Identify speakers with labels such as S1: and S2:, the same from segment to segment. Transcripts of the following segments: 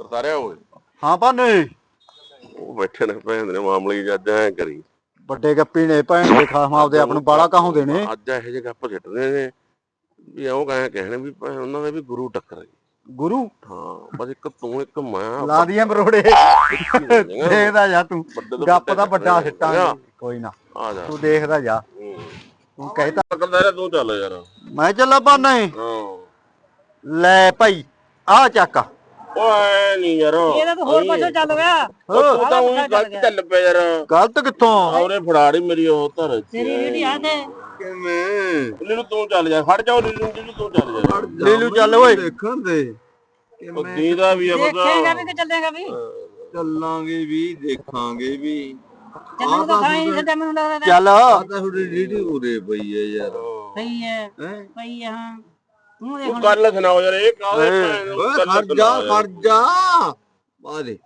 S1: ਕਰਤਾਰਿਆ ਓਏ
S2: ਹਾਂ ਭਾਨੇ
S1: ਉਹ ਬੈਠੇ ਨੇ ਭੈਣ ਦੇ ਮਾਮਲੇ ਜੱਜ ਐ ਕਰੀ
S2: ਵੱਡੇ ਗੱਪੀ ਨੇ ਭੈਣ ਦੇ ਖਾਸਮਾਂ ਆਪਦੇ ਆਪ ਨੂੰ ਬਾਲਾ ਕਹਾਉਂਦੇ ਨੇ।
S1: ਅੱਜ ਇਹੋ ਜਿਹੇ ਗੱਪ ਛੱਡਦੇ ਨੇ ਵੀ ਉਹ ਕਹਿਣੇ ਵੀ ਉਹਨਾਂ ਦੇ ਵੀ ਗੁਰੂ ਟੱਕਰ
S2: ਗੁਰੂ।
S1: ਹਾਂ ਬਸ ਇੱਕ ਤੂੰ ਇੱਕ ਮੈਂ
S2: ਲਾ ਦੀਆਂ ਬਰੋੜੇ ਦੇਖਦਾ ਜਾ ਤੂੰ ਗੱਪ ਤਾਂ ਵੱਡਾ ਸਿੱਟਾਂਗੇ ਕੋਈ ਨਾ
S1: ਆ ਜਾ
S2: ਤੂੰ ਦੇਖਦਾ ਜਾ ਤੂੰ ਕਹਿਤਾ
S1: ਕਰਤਾਰਿਆ ਤੂੰ ਚੱਲ ਯਾਰ
S2: ਮੈਂ ਚੱਲਾਂ ਭਾਨੇ।
S1: ਹਾਂ
S2: ਲੈ ਭਾਈ ਆ ਚੱਕ
S1: ਓਏ ਨਹੀਂ ਯਾਰ
S3: ਇਹਦਾ ਤਾਂ ਹੋਰ ਪਾਸੇ ਚੱਲ ਗਿਆ।
S1: ਤੂੰ ਤਾਂ ਉਹੀ ਗਲਤ ਚੱਲ ਪਿਆ ਯਾਰ
S2: ਗਲਤ ਕਿੱਥੋਂ
S1: ਉਹਨੇ ਫੜਾੜੀ ਮੇਰੀ ਉਹ ਧਰ
S3: ਤੇਰੀ ਰੀੜੀ ਆ ਤੇ
S4: ਕਿਵੇਂ
S1: ਲੀਲੂ ਤੂੰ ਚੱਲ ਜਾ ਖੜ ਜਾ ਲੀਲੂ ਤੂੰ ਚੱਲ ਜਾ
S2: ਲੀਲੂ ਚੱਲ ਓਏ
S4: ਦੇਖਣ ਦੇ
S1: ਉਹ ਦੀਦਾ ਵੀ ਆ
S3: ਦੇਖੇਗਾ ਵੀ
S1: ਪਤਾ
S3: ਕਿ ਚੱਲੇਗਾ ਵੀ
S4: ਚੱਲਾਂਗੇ ਵੀ ਦੇਖਾਂਗੇ ਵੀ
S3: ਚੱਲਣ ਦਾ ਥਾਂ ਹੀ ਨਹੀਂ ਛੱਡਿਆ ਮੈਨੂੰ ਲੱਗਦਾ
S2: ਚੱਲ
S4: ਆ ਤਾਂ ਥੋੜੀ ਰੀੜੀ ਉਰੇ ਪਈ ਹੈ ਯਾਰ
S3: ਸਹੀ ਹੈ
S4: ਹੈ
S3: ਸਹੀ ਹੈ ਹਾਂ ਤੂੰ ਦੇਖ
S1: ਤੂੰ ਗੱਲ ਸੁਣਾਓ ਯਾਰ ਇਹ ਕਾਹਦੇ
S4: ਓਏ ਖੜ ਜਾ ਆ ਦੇ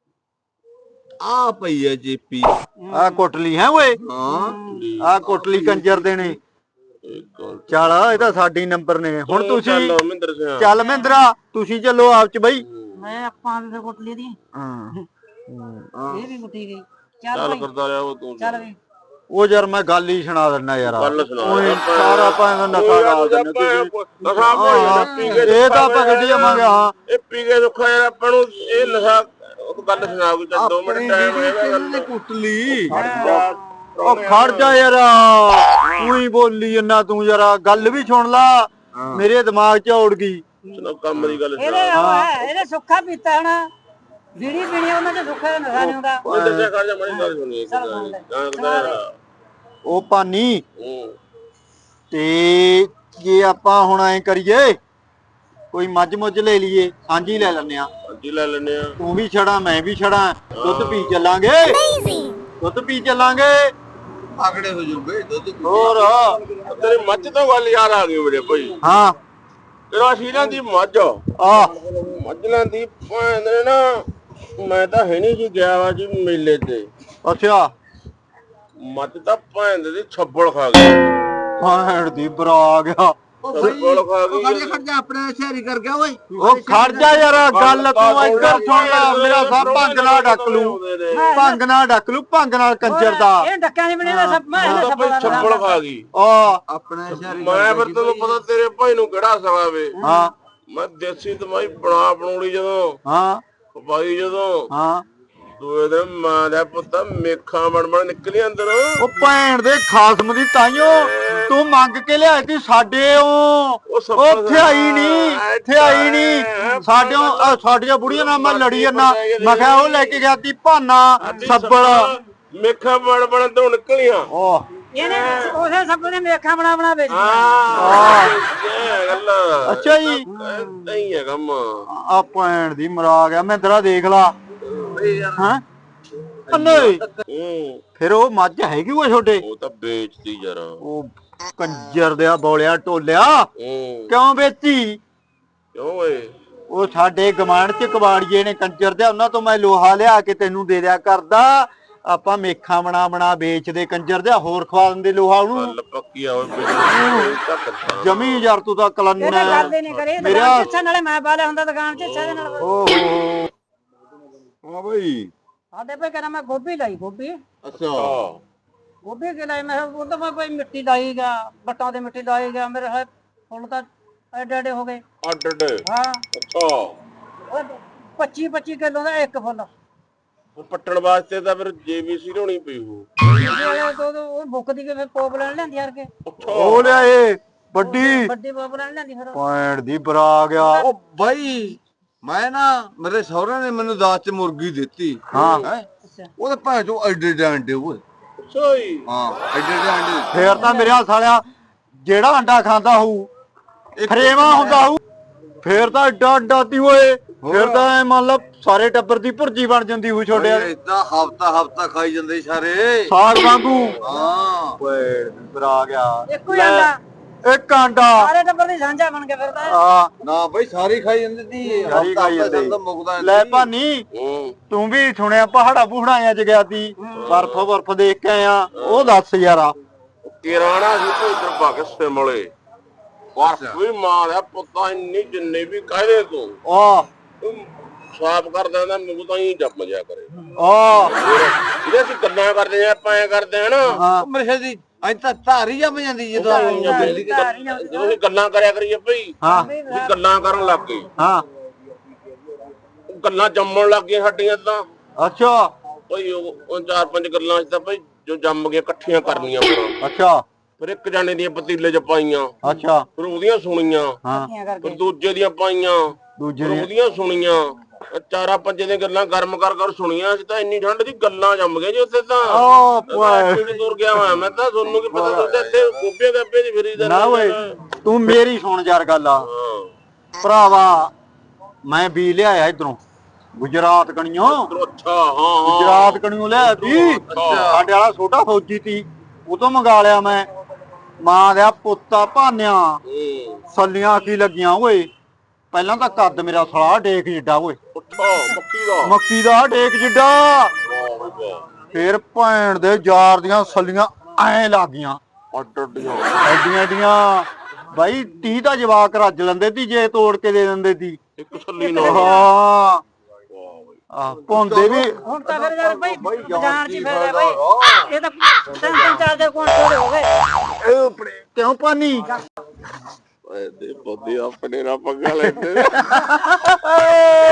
S4: ਆ ਪਈ ਹੈ ਜੀਪੀ
S2: ਆ ਕੋਟਲੀ ਹੈ ਓਏ
S4: ਹਾਂ
S2: ਆ ਕੋਟਲੀ ਕੰਜਰ ਦੇ ਨੇ। ਚੱਲ ਇਹ ਤਾਂ ਸਾਡੀ ਨੰਬਰ ਨੇ ਹੁਣ ਤੁਸੀਂ
S1: ਮਹਿੰਦਰ ਸਿੰਘ
S2: ਚੱਲ ਮਹਿੰਦਰਾ ਤੁਸੀਂ ਚੱਲੋ ਆਪ ਚ ਬਈ।
S3: ਮੈਂ ਆਪਾਂ ਵੀ ਫਿਰ ਕੁੱਟ ਲਈ ਦੀ
S2: ਹਾਂ
S3: ਇਹ ਵੀ ਕੁੱਟੀ ਗਈ ਚੱਲ
S1: ਚੱਲ
S3: ਭਾਈ
S1: ਕਰਦਾ ਰਿਹਾ ਉਹ ਤੂੰ
S3: ਚੱਲ ਵੀ
S2: ਉਹ ਯਾਰ ਮੈਂ ਗੱਲ ਹੀ ਸੁਣਾ ਦਿੰਦਾ ਯਾਰ
S1: ਗੱਲ ਸੁਣਾ
S2: ਓਏ ਸਾਰਾ ਭਾਵੇਂ ਨਸ਼ਾ ਲਾ ਦਿੰਦੇ ਤੁਸੀਂ।
S1: ਨਸ਼ਾ ਪੀ ਕੇ
S2: ਇਹ ਤਾਂ ਆਪਾਂ ਗੱਡੀ ਜਾਵਾਂਗੇ ਹਾਂ
S1: ਇਹ ਪੀ ਕੇ ਦੁੱਖਾ ਯਾਰ ਆਪਾਂ ਨੂੰ ਇਹ ਨਸ਼ਾ ਉਹ ਗੱਲ ਸੁਣਾ ਕੋਈ ਚੱਲ 2 ਮਿੰਟ ਟਾਈਮ
S4: ਕਿਹਨੇ ਕੁੱਟਲੀ
S2: ਉਹ ਖੜ ਜਾ ਯਾਰ ਤੂੰ ਹੀ ਬੋਲੀ ਜੰਨਾ ਤੂੰ ਯਾਰ ਗੱਲ ਵੀ ਸੁਣ ਲਾ ਮੇਰੇ ਦਿਮਾਗ 'ਚ ਉੜ ਗਈ।
S1: ਸੁਣਾ ਕੰਮ ਦੀ ਗੱਲ
S3: ਇਹਦੇ
S1: ਸੁਣਾ
S3: ਉਹ ਹੈ ਇਹਦੇ ਸੁੱਖਾ ਪੀਤਾ ਹਣਾ ਬੀੜੀ ਪੀਣੀ ਉਹਨਾਂ ਦੇ ਸੁੱਖਾ ਦਾ ਨਸ਼ਾ ਨਹੀਂ ਹੁੰਦਾ
S1: ਮਹਿੰਦਰ ਸਿੰਘ ਖੜ ਜਾ ਮਾੜੀ ਗੱਲ ਸੁਣੀ
S2: ਉਹ ਪਾਨੀ
S1: ਹੂੰ
S2: ਤੇ ਜੇ ਆਪਾਂ ਹੁਣ ਐ ਕਰੀਏ ਕੋਈ ਮੱਝ ਮੁੱਝ ਲੈ ਲਈਏ ਸਾਂਝੀ ਲੈ ਲੈਨੇ ਆ
S1: ਹਾਂਜੀ ਲੈ ਲੈਨੇ ਆ
S2: ਤੂੰ ਵੀ ਛੜਾ ਮੈਂ ਵੀ ਛੜਾ ਦੁੱਧ ਪੀ ਚੱਲਾਂਗੇ ਦੁੱਧ ਪੀ ਚੱਲਾਂਗੇ
S4: ਆਗੜੇ ਹੋ ਜੂਗੇ ਦੁੱਧ
S2: ਹੋਰ
S1: ਤੇਰੀ ਮੱਝ ਤੋਂ ਗੱਲ ਯਾਰ ਆ ਗਈ ਮੇਰੇ ਭਾਈ
S2: ਹਾਂ
S1: ਤੇਰਾ ਸੀਰਾਂ ਦੀ ਮੱਝ
S2: ਆ
S1: ਮੱਝਾਂ ਦੀ ਭੈਣ ਨੇ ਨਾ ਮੈਂ ਤਾਂ ਹੈ ਨਹੀਂ ਜੀ ਗਿਆ ਵਾ ਜੀ ਮੇਲੇ ਤੇ
S2: ਅੱਛਾ
S1: ਮੱਝ ਤਾਂ ਭੈਣ ਦੀ ਛੱਬਲ ਖਾ ਗਈ
S2: ਹਾਂ ਦੀ ਬਰਾ ਆ ਗਿਆ
S1: ਛੱਬਲ ਖਾ ਗਈ
S4: ਖੜ ਜਾ ਆਪਣੇ ਸ਼ਹਿਰੀ ਕਰ ਗਿਆ ਓਏ
S2: ਉਹ ਖੜ ਜਾ ਯਾਰ ਗੱਲ ਤੂੰ ਇੱਧਰ ਸੁਣ ਲੈ ਮੇਰਾ ਸਭ ਭੰਗ ਨਾਲ ਡੱਕ ਲੂ ਭੰਗ ਨਾਲ ਡੱਕ ਲੂ ਭੰਗ ਨਾਲ ਕੰਜਰ ਦਾ
S3: ਇਹ ਡੱਕਿਆਂ ਨਹੀਂ ਬਣੀ ਸਭ ਮੈਂ
S1: ਉਹ ਤਾਂ ਭਾਈ ਛੱਬਲ ਖਾ ਗਈ
S2: ਆ
S4: ਆਪਣੇ ਸ਼ਹਿਰੀ
S1: ਮੈਂ ਫਿਰ ਤੈਨੂੰ ਪਤਾ ਤੇਰੇ ਭਾਈ ਨੂੰ ਕਿਹੜਾ ਸਵਾਵੇ
S2: ਹਾਂ
S1: ਮੈਂ ਦੇਸੀ ਦਵਾਈ ਬਣਾ ਬਣਾਉਣੀ ਜਦੋਂ
S2: ਹਾਂ
S1: ਖਵਾਈ ਜਦੋਂ
S2: ਹਾਂ
S1: ਦੂਏ ਦਿਨ ਮਾਂ ਦਾ ਪੁੱਤ ਮੇਖਾਂ ਬਣ ਨਿਕਲੀ ਅੰਦਰ
S2: ਉਹ ਭੈਣ ਦੇ ਖਾਸਮ ਦੀ ਤਾਈਓ ਤੂੰ ਮੰਗ ਕੇ ਲਿਆਈ ਤੀ ਸਾਡੇ ਉੱਥੇ ਆਈ ਨਹੀਂ ਸਾਡੀਆਂ ਬੁੜੀਆਂ ਨਾਲ ਮੈਂ ਲੜੀ ਜੰਨਾ ਮੈਂ ਕਿਹਾ ਉਹ ਲੈ ਕੇ ਗਿਆ ਤੀ ਭਾਨਾ ਸੱਬਲ
S1: ਮੇਖਾਂ ਬਣ ਤੋਂ ਨਿਕਲੀਆਂ
S2: ਉਹ
S3: ਇਹਨੇ ਉਸੇ ਸਭ ਨੇ ਮੇਖਾਂ ਬਣਾ ਵੇਚ
S1: ਇਹ ਗੱਲ
S2: ਅੱਛਾ ਜੀ
S1: ਨਹੀਂ ਹੈ ਕੰਮ
S2: ਆ ਭੈਣ ਦੀ ਮਰਾ ਗਿਆ ਮੈਂ ਤੇਰਾ ਦੇਖ ਲਾ ਹਾਂ ਨਹੀਂ ਫਿਰ ਉਹ ਮੱਝ ਹੈਗੀ ਉਹ ਛੋਟੇ
S1: ਉਹ ਤਾਂ ਵੇਚਦੀ ਯਾਰ
S2: ਉਹ ਕੰਜਰ ਦਿਆ ਬੋਲਿਆ ਟੋਲਿਆ ਕਿਉਂ ਵੇਚੀ
S1: ਕਿਉਂ ਓਏ
S2: ਉਹ ਸਾਡੇ ਗਮਾਨ ਚ ਕਬਾੜੀਏ ਨੇ ਕੰਜਰ ਦਿਆ ਉਹਨਾਂ ਤੋਂ ਮੈਂ ਲੋਹਾ ਲਿਆ ਕੇ ਤੈਨੂੰ ਦੇ ਦਿਆ ਕਰਦਾ ਆਪਾਂ ਮੇਖਾਂ ਬਣਾ ਵੇਚਦੇ ਕੰਜਰ ਦਿਆ ਹੋਰ ਖਵਾ ਦਿੰਦੇ ਲੋਹਾ ਉਹਨੂੰ
S1: ਗੱਲ ਪੱਕੀ ਆ ਓਏ
S2: ਜਮੀ ਯਾਰ ਤੂੰ ਤਾਂ ਕਲੰਨ
S3: ਇਹਨੇ ਗੱਲ ਹੀ ਨਹੀਂ ਕਰੀ ਦੁਕਾਨ ਚ ਨਾਲੇ ਮੈਂ ਬਾਲੇ ਹੁੰਦਾ ਦੁਕਾਨ ਚ ਇੱਛਾ ਦੇ ਨਾਲ
S2: ਓਹੋ
S4: ਹਾਂ ਬਈ
S3: ਸਾਡੇ ਭਾਈ ਕਹਿੰਦਾ ਮੈਂ ਗੋਭੀ ਲਾਈ ਗੋਭੀ
S4: ਅੱਛਾ
S3: ਗੋਭੀ ਕੇ ਲਾਈ ਮੈਂ ਉਹ ਤਾਂ ਮੈਂ ਭਾਈ ਮਿੱਟੀ ਲਾਈਗਾ ਬੱਟਾਂ ਦੇ ਮਿੱਟੀ ਲਾਈਗਾ ਮੇਰੇ ਹੈ ਫੁੱਲ ਤਾਂ ਐਡੇ ਹੋ ਗਏ
S1: ਅੱਡ
S3: ਹਾਂ
S1: ਅੱਛਾ
S3: ਉਹ 25 ਕਿਲੋ ਦਾ ਇੱਕ ਫੁੱਲ
S1: ਉਹ ਪੱਟਣ ਵਾਸਤੇ ਤਾਂ ਫਿਰ ਜੀਬੀਸੀ ਲਾਉਣੀ ਪਈ ਹੋ
S3: ਉਹ ਮੁੱਕਦੀ ਕੇ ਫਿਰ ਪੋਪ ਲੈਣ ਲੈਂਦੀ ਹਰ ਕੇ
S2: ਉਹ ਲਿਆਏ ਵੱਡੀ
S3: ਪੋਪ ਲੈਣ ਲੈਂਦੀ ਫਿਰ
S2: ਭੈਣ ਦੀ ਬਰਾ ਆ ਗਿਆ
S4: ਉਹ ਬਾਈ ਮੈਂ ਨਾ ਮੇਰੇ ਸਹੁਰੇ ਨੇ ਮੈਨੂੰ ਦਾਤ ਚ ਮੁਰਗੀ ਦਿੱਤੀ
S2: ਹਾਂ
S4: ਉਹਦੇ ਭਾਂ ਚੋਂ ਐਡੇ ਅੰਡੇ ਓਏ
S1: ਅੱਛਾ ਜੀ
S4: ਹਾਂ ਐਡੇ ਅੰਡੇ
S2: ਫੇਰ ਤਾਂ ਮੇਰੇ ਹੱਥ ਵਾਲਿਆ ਜਿਹੜਾ ਅੰਡਾ ਖਾਂਦਾ ਹੋਊ ਫਰੇਵਾ ਹੁੰਦਾ ਹੋਊ ਫੇਰ ਤਾਂ ਏਡਾ ਅੰਡਾ ਤੀ ਓਏ ਫਿਰ ਤਾਂ ਐ ਮੰਨ ਲਾ ਸਾਰੇ ਟੱਬਰ ਦੀ ਭੁਰਜੀ ਬਣ ਜਾਂਦੀ ਹੋਊ ਛੋਟਿਆ
S4: ਇਦਾਂ ਹਫਤਾ ਖਾਈ ਜਾਂਦੇ ਸਾਰੇ
S2: ਸਾਗ ਵਾਂਗੂ
S4: ਹਾਂ
S2: ਓਏ ਬਰਾ ਆ ਗਿਆ
S3: ਇੱਕੋ ਹੀ ਅੰਡਾ
S2: ਇੱਕ ਅੰਡਾ
S3: ਸਾਰੇ ਟੱਬਰ ਦੀ ਸਾਂਝਾ ਬਣ ਕੇ ਫਿਰਦਾ
S2: ਆ
S4: ਨਾ ਬਈ ਸਾਰੀ ਖਾਈ ਜਾਂਦੀ ਸੀ
S2: ਸਾਰੀ ਖਾਈ ਜਾਂਦੀ।
S4: ਮੁਕਦਾ
S2: ਲੈ ਭਾਨੀ ਤੂੰ ਵੀ ਸੁਣਿਆ ਪਹਾੜਾ ਪੂੜਾਂ ਚ ਗਿਆ ਤੀ ਬਰਫ ਦੇਖ ਕੇ ਆਇਆ ਉਹ ਦੱਸ ਯਾਰਾ
S1: ਕਿਰਾਣਾ ਸੀ ਤੇ ਇਧਰ ਪਾ ਕੇ ਸਿਮਲੇ ਬਰਫ ਵੀ ਮਾਂ ਦਾ ਪੁੱਤਾਂ ਇੰਨੀ ਜਿੰਨੇ ਵੀ ਕਾਹਦੇ ਤੂੰ
S2: ਆ
S1: ਸਾਫ਼ ਕਰ ਦਿੰਦਾ ਮੂੰਹ ਤਾਂ ਹੀ ਜੰਮ ਜਿਆ ਕਰੇ
S2: ਆ
S1: ਜਿਹੜੇ ਅਸੀਂ ਗੱਲਾਂ ਕਰਦੇ ਆ ਆਪਾਂ ਐ ਕਰਦੇ ਆ ਨਾ
S2: ਹਾਂ
S4: ਮੇਰੇ ਖਿਆਲ ਦੀ ਅੱਜ ਤਾਂ ਧਾਰੀ ਜੰਮ ਜਾਂਦੀ ਜਦੋਂ
S1: ਜਦੋਂ ਅਸੀਂ ਗੱਲਾਂ ਕਰਿਆ ਕਰੀਏ ਭਈ
S2: ਹਾਂ
S1: ਅਸੀਂ ਗੱਲਾਂ ਕਰਨ ਲੱਗ ਗਏ
S2: ਹਾਂ
S1: ਗੱਲਾਂ ਜੰਮਣ ਲੱਗ ਗਈਆਂ ਸਾਡੀਆਂ ਤਾਂ
S2: ਅੱਛਾ
S1: ਭਈ ਉਹ ਚਾਰ ਪੰਜ ਗੱਲਾਂ ਤਾਂ ਭਈ ਜੋ ਜੰਮ ਗਈਆਂ ਇਕੱਠੀਆਂ ਕਰਨੀਆਂ ਹੁਣ
S2: ਅੱਛਾ
S1: ਫਿਰ ਇੱਕ ਜਾਣੇ ਦੀਆਂ ਪਤੀਲੇ 'ਚ ਪਾਈਆਂ
S2: ਅੱਛਾ
S1: ਫਿਰ ਉਹਦੀਆਂ ਸੁਣੀਆਂ
S2: ਹਾਂ
S1: ਫਿਰ ਦੂਜੇ ਦੀਆਂ ਪਾਈਆਂ
S2: ਦੂਜੇ
S1: ਫਿਰ ਉਹਦੀਆਂ ਸੁਣੀਆਂ ਚਾਰਾਂ ਪੰਜੇ ਦੀਆਂ ਗੱਲਾਂ ਗਰਮ ਕਰ ਸੁਣੀਆਂ ਸੀ ਤਾਂ ਇੰਨੀ ਠੰਡ ਦੀ ਗੱਲਾਂ ਜੰਮ ਗਈਆਂ ਜੀ ਉੱਥੇ ਤਾਂ
S2: ਓ ਪੁਆ
S1: ਕਿਹੜੀ ਦੂਰ ਗਿਆ ਹੋਇਆ ਮੈਂ ਤਾਂ ਤੁਹਾਨੂੰ ਕੀ ਪਤਾ ਤੂੰ ਤਾਂ ਇੱਥੇ ਗੋਪੀਆਂ ਗੱਪੇ ਦੀ ਫਿਰੀ
S2: ਨਾ ਓਏ ਤੂੰ ਮੇਰੀ ਸੁਣ ਯਾਰ ਗੱਲ ਆ ਭਰਾਵਾ ਮੈਂ ਵੀ ਲਿਆਇਆ ਇਧਰੋਂ ਗੁਜਰਾਤ ਕਣੀਓ
S1: ਅੱਛਾ ਹਾਂ
S2: ਗੁਜਰਾਤ ਕਣੀਓ ਲਿਆਇਆ ਸੀ ਸਾਡੇ ਵਾਲਾ ਛੋਟਾ ਫੌਜੀ ਸੀ ਉਹ ਤੋਂ ਮੰਗਾ ਲਿਆ ਮੈਂ ਮਾਂ ਦਾ ਪੁੱਤਾ ਭਾਨਿਆ ਸੱਲੀਆਂ ਕੀ ਲੱਗੀਆਂ ਓਏ ਪਹਿਲਾਂ ਤਾਂ ਕੱਦ ਮੇਰਾ ਸਲਾ ਡੇਕ ਜਿੱਡਾ ਓਏ ਮੱਕੀ ਦਾ ਡੇਕ ਜਿੱਡਾ ਫੇਰ ਭੈਣ ਦੇ ਯਾਰ ਦੀਆਂ ਸੱਲੀਆਂ ਐ ਲੱਗੀਆਂ ਐਡੀਆਂ ਐਡੀਆਂ ਬਾਈ 30 ਦਾ ਜਵਾਕ ਰੱਜ ਲੈਂਦੇ ਸੀ ਜੇ ਤੋੜ ਕੇ ਦੇ ਦਿੰਦੇ ਸੀ
S1: ਇੱਕ ਸੱਲੀ ਨਾਲ
S2: ਹਾਂ ਆ ਭੌਂਦੇ ਵੀ
S3: ਹੁਣ ਤਾਂ ਫਿਰ ਯਾਰ ਬਈ ਬਾਜ਼ਾਰ 'ਚ ਫਿਰਦਾ ਬਈ ਇਹ ਤਾਂ ਤਿੰਨ ਚਾਰ ਦੇ ਕੋਲ ਥੋੜੇ ਹੋ ਗਏ
S2: ਕਿਉਂ ਪਾਣੀ
S1: ਦੇ ਪੌਦੇ ਆਪਣੇ ਨਾਲ ਪੰਗਾ ਲੈਂਦੇ